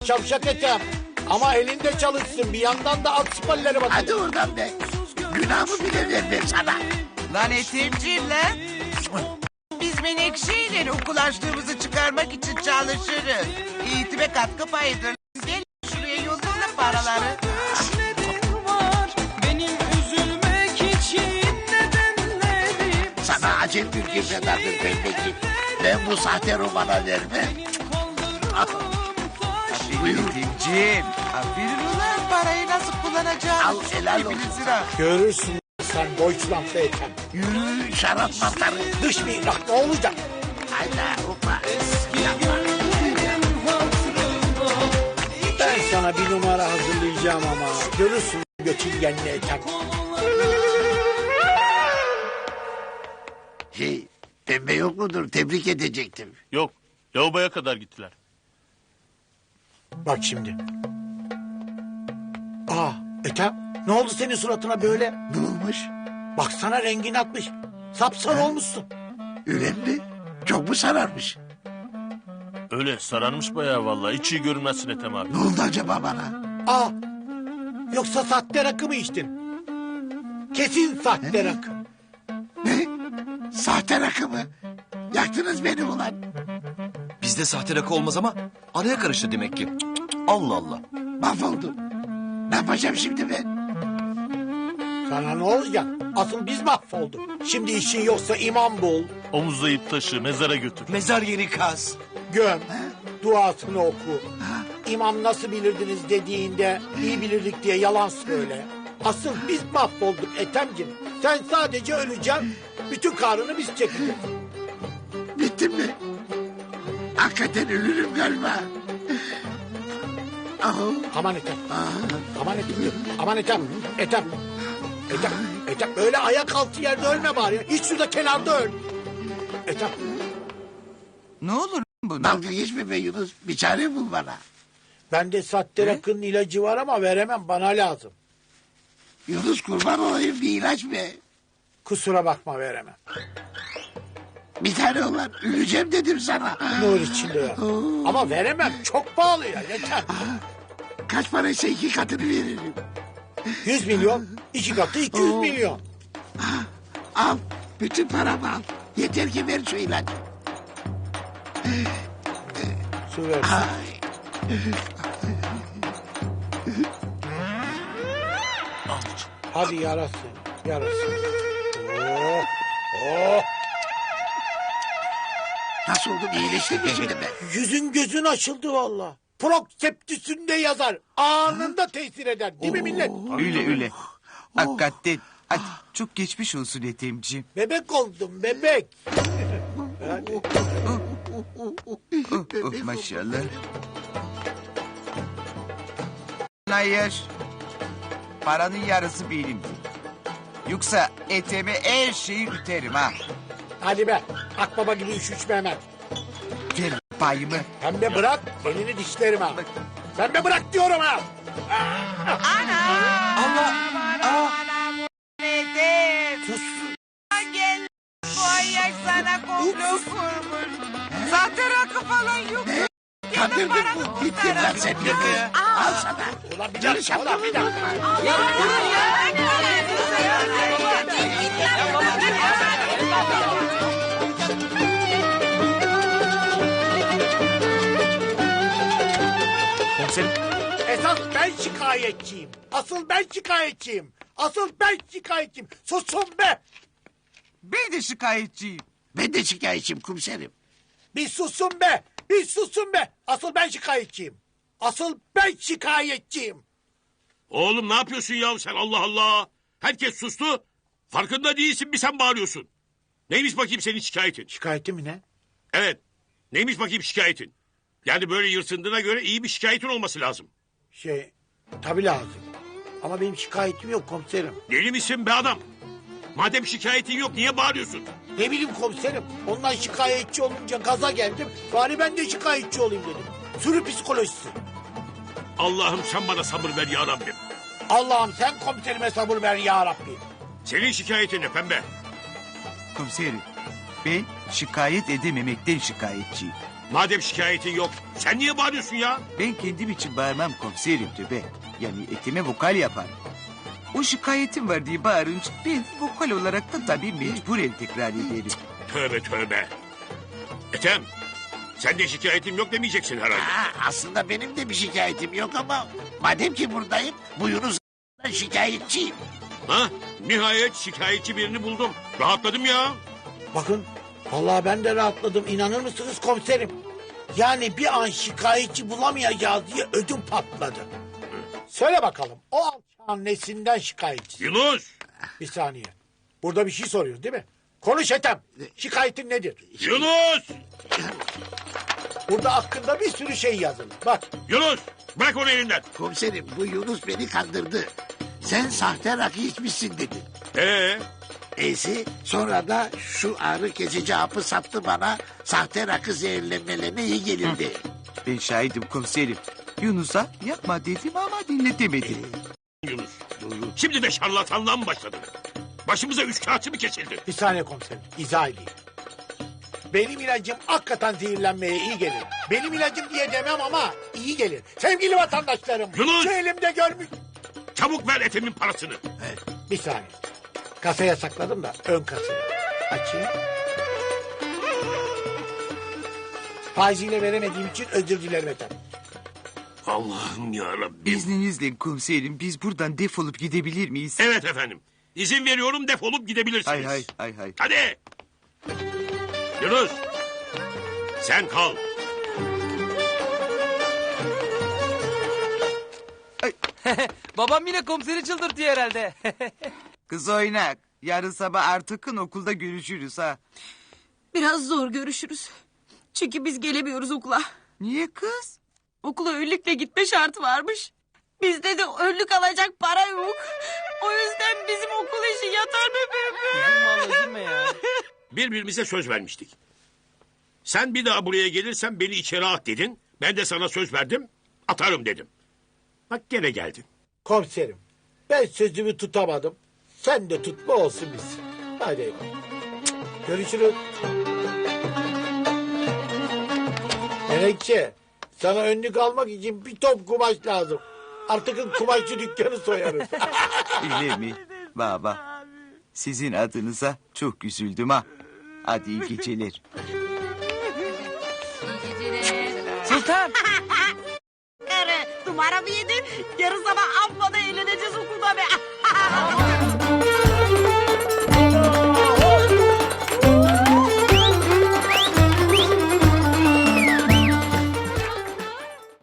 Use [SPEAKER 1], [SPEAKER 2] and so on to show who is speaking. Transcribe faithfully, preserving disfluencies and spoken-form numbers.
[SPEAKER 1] şavşak Ethem. Ama elinde çalışsın, bir yandan da alt siparleri bakın.
[SPEAKER 2] Hadi oradan be. Günahımı bile vermem sana.
[SPEAKER 3] Lan Ethemciğim lan. Biz Menekşe'yle okul açtığımızı çıkarmak için çalışırız. Eğitime katkı payıdır. Gel şuraya yolla paraları.
[SPEAKER 2] Sana acil bir girmedadır pembeki. Ben bu sahte romana vermem.
[SPEAKER 3] Aferin Ethemciğim. Aferin ulan, parayı nasıl kullanacağını
[SPEAKER 2] Al,
[SPEAKER 3] çok
[SPEAKER 2] helal
[SPEAKER 3] iyi
[SPEAKER 2] olsun.
[SPEAKER 3] bilirsin ha.
[SPEAKER 1] Görürsün sen Deutschland'da Ethem.
[SPEAKER 2] Yürü şarap mantarı.
[SPEAKER 1] Dış mihrak ne olacak?
[SPEAKER 2] Hayda hoppa.
[SPEAKER 1] Ben sana bir numara hazırlayacağım ama. Görürsün göçingenli Ethem.
[SPEAKER 2] Şey, pembe yok mudur? Tebrik edecektim.
[SPEAKER 4] Yok. Lavaboya kadar gittiler.
[SPEAKER 1] Bak şimdi. Aa Ethem, ne oldu senin suratına böyle?
[SPEAKER 2] Ne olmuş?
[SPEAKER 1] Baksana rengin atmış. Sapsarı olmuşsun.
[SPEAKER 2] Öyle mi? Çok mu sararmış?
[SPEAKER 4] Öyle sararmış bayağı vallahi. Hiç iyi görünmezsin Ethem abi.
[SPEAKER 2] Ne oldu acaba bana?
[SPEAKER 1] Aa, yoksa sahte rakı mı içtin? Kesin sahte rakı.
[SPEAKER 2] Ne? Sahte rakı mı? Yaktınız beni ulan.
[SPEAKER 5] Bizde sahte rakı olmaz ama araya karıştı demek ki. Cık, cık, cık. Allah Allah.
[SPEAKER 2] Mahvoldum. Ne yapacağım şimdi ben?
[SPEAKER 1] Sana ne olacak? Asıl biz mahvolduk. Şimdi işin yoksa imam bul,
[SPEAKER 4] Omuzlayıp taşı, mezara götür.
[SPEAKER 5] Mezar yeri kaz.
[SPEAKER 1] göm, duasını oku. İmam nasıl bilirdiniz dediğinde iyi bilirdik diye yalan söyle. Asıl biz mahvolduk Ethemciğim. Sen sadece öleceksin, bütün karını biz çekeceğiz.
[SPEAKER 2] Bittim mi? Hakikaten ölürüm galiba. Ah,
[SPEAKER 1] Aman Ethem,
[SPEAKER 2] ah.
[SPEAKER 1] aman Ethem, aman Ethem, Ethem. Ethem, Ethem öyle ayak altı yerde ölme bari. Hiç şurada kenarda öl. Ethem,
[SPEAKER 3] Ne olur bu?
[SPEAKER 2] Dalga geçme be Yunus. Bir çare bul bana.
[SPEAKER 1] bende sahte rakının ilacı var ama veremem, bana lazım.
[SPEAKER 2] Yunus kurban olayım, bir ilaç be.
[SPEAKER 1] Kusura bakma, veremem.
[SPEAKER 2] Bir tane olan öleceğim dedim sana.
[SPEAKER 1] Nur içinde ya. Ama veremem, çok pahalı ya, yeter.
[SPEAKER 2] Kaç paraysa iki katını veririm.
[SPEAKER 1] Yüz milyon, iki katı iki yüz milyon.
[SPEAKER 2] Al. Bütün paramı al. Yeter ki ver şu ilacı.
[SPEAKER 1] Su ver.
[SPEAKER 2] Ay.
[SPEAKER 1] Hadi yarasın, yarasın. Oh, oh.
[SPEAKER 2] Nasıl oldum, iyileştim mi şimdi ben?
[SPEAKER 1] Yüzün gözün açıldı valla. Prokseptüsünde yazar. Anında tesir eder. Değil mi millet?
[SPEAKER 3] Öyle öyle. Hakikaten. Hadi çok geçmiş olsun Ethemciğim.
[SPEAKER 1] Bebek oldum, bebek.
[SPEAKER 3] Oh, maşallah. Hayır. Paranın yarısı benimdir. Yoksa Ethem'e her şeyi üterim ha.
[SPEAKER 1] Hadi be, akbaba gibi üç üç Mehmet.
[SPEAKER 3] Ver payımı.
[SPEAKER 1] Pembe bırak, elini dişlerim ha. Pembe bırak diyorum ha.
[SPEAKER 3] Allah. Aa. Ethem.
[SPEAKER 1] Sus.
[SPEAKER 3] Gel. Bu ayak sana komplo kurmuş. Zaten rakı falan yok.
[SPEAKER 2] Kandırdın mı? Gittin lan sen beni. Al sana.
[SPEAKER 1] Ulan bir dakika, ulan bir dakika.
[SPEAKER 5] Komiserim.
[SPEAKER 1] Esas ben şikayetçiyim. Asıl ben şikayetçiyim. Asıl ben şikayetçiyim. Susun be.
[SPEAKER 3] Ben de şikayetçiyim.
[SPEAKER 2] Ben de şikayetçiyim komiserim.
[SPEAKER 1] Bir susun be. Bir susun be. Asıl ben şikayetçiyim. Asıl ben şikayetçiyim.
[SPEAKER 6] Oğlum ne yapıyorsun ya sen, Allah Allah. Herkes sustu. Farkında değilsin, bir sen bağırıyorsun. Neymiş bakayım senin şikayetin?
[SPEAKER 1] Şikayetim mi ne?
[SPEAKER 6] Evet. Neymiş bakayım şikayetin? Yani böyle yırtındığına göre iyi bir şikayetin olması lazım.
[SPEAKER 1] Şey, tabii lazım. Ama benim şikayetim yok komiserim.
[SPEAKER 6] Deli misin be adam? Madem şikayetin yok niye bağırıyorsun?
[SPEAKER 1] Ne bileyim komiserim. Ondan şikayetçi olunca gaza geldim. Bari ben de şikayetçi olayım dedim. Sürü psikolojisi.
[SPEAKER 6] Allah'ım sen bana sabır ver ya Rabbim.
[SPEAKER 1] Allah'ım sen komiserime sabır ver ya Rabbi.
[SPEAKER 6] Senin şikayetin ne pembe?
[SPEAKER 3] Komiserim, ben şikayet edememekten şikayetçiyim.
[SPEAKER 6] Madem şikayetin yok, sen niye bağırıyorsun ya?
[SPEAKER 3] Ben kendim için bağırmam komiserim tövbe. Yani etime vokal yaparım. O şikayetim var diye bağırınca ben vokal olarak da tabii mecburen tekrar ederim.
[SPEAKER 6] Tövbe tövbe. Ethem, sen de şikayetim yok demeyeceksin herhalde.
[SPEAKER 2] Ha, aslında benim de bir şikayetim yok ama madem ki buradayım bu Yunus'dan şikayetçiyim.
[SPEAKER 6] Ha? Nihayet şikayetçi birini buldum. Rahatladım ya.
[SPEAKER 1] Bakın vallahi ben de rahatladım. İnanır mısınız komiserim? Yani bir an şikayetçi bulamayacağız diye ödüm patladı. Söyle bakalım o alçağın nesinden şikayetçi?
[SPEAKER 6] Yunus!
[SPEAKER 1] Bir saniye. Burada bir şey soruyorsun değil mi? Konuş Ethem. Şikayetin nedir?
[SPEAKER 6] Yunus!
[SPEAKER 1] Burada hakkında bir sürü şey yazılı. Bak
[SPEAKER 6] Yunus! Bırak onu elinden.
[SPEAKER 2] Komiserim bu Yunus beni kandırdı. Sen sahte rakı içmişsin dedi.
[SPEAKER 6] Ee,
[SPEAKER 2] Neyse sonra da şu ağrı kesici hapı sattı bana. Sahte rakı zehirlenmelerine iyi gelirdi.
[SPEAKER 3] Ben şahidim komiserim. Yunus'a yapma dedim ama dinletemedim.
[SPEAKER 6] Yunus. Şimdi de şarlatanlığa mı başladın? Başımıza üç kağıtçı mı kesildi?
[SPEAKER 1] bir saniye komiserim. İzah edeyim. Benim ilacım hakikaten zehirlenmeye iyi gelir. Benim ilacım diye demem ama iyi gelir. Sevgili vatandaşlarım.
[SPEAKER 6] Yunus!
[SPEAKER 1] Şu elimde görmüş.
[SPEAKER 6] Çabuk ver Ethem'in parasını.
[SPEAKER 1] Bir saniye. Kasaya sakladım da ön kasayı. Açayım. Faiziyle veremediğim için özür dilerim efendim.
[SPEAKER 6] Allah'ım yarabbim.
[SPEAKER 3] İzninizle komiserim biz buradan defolup gidebilir miyiz?
[SPEAKER 6] Evet efendim. İzin veriyorum defolup gidebilirsiniz.
[SPEAKER 3] Hay hay hay hay.
[SPEAKER 6] Hadi. Yunus. Sen kal.
[SPEAKER 7] Babam yine komiseri çıldırtıyor herhalde.
[SPEAKER 3] Kız oynak. Yarın sabah Artık'ın okulda görüşürüz ha.
[SPEAKER 8] Biraz zor görüşürüz. Çünkü biz gelemiyoruz okula.
[SPEAKER 3] Niye kız?
[SPEAKER 8] Okula önlükle gitme şartı varmış. Bizde de önlük alacak para yok. O yüzden bizim okul işi yatar be bebe.
[SPEAKER 7] Üzülme abla üzülme ya.
[SPEAKER 6] Birbirimize söz vermiştik. Sen bir daha buraya gelirsen beni içeri at dedin. Ben de sana söz verdim. Atarım dedim. Bak gene geldin.
[SPEAKER 1] Komiserim. Ben sözümü tutamadım. Sen de tutma olsun biz. Hadi eyvallah. Görüşürüz. Menekşe. Sana önlük almak için bir top kumaş lazım. Artık kumaşçı dükkanı soyarız.
[SPEAKER 3] Öyle mi? Baba. Sizin adınıza çok üzüldüm ha. Hadi iyi geceler.
[SPEAKER 7] Sultan.
[SPEAKER 8] Numara mı yedin? Yarın sabah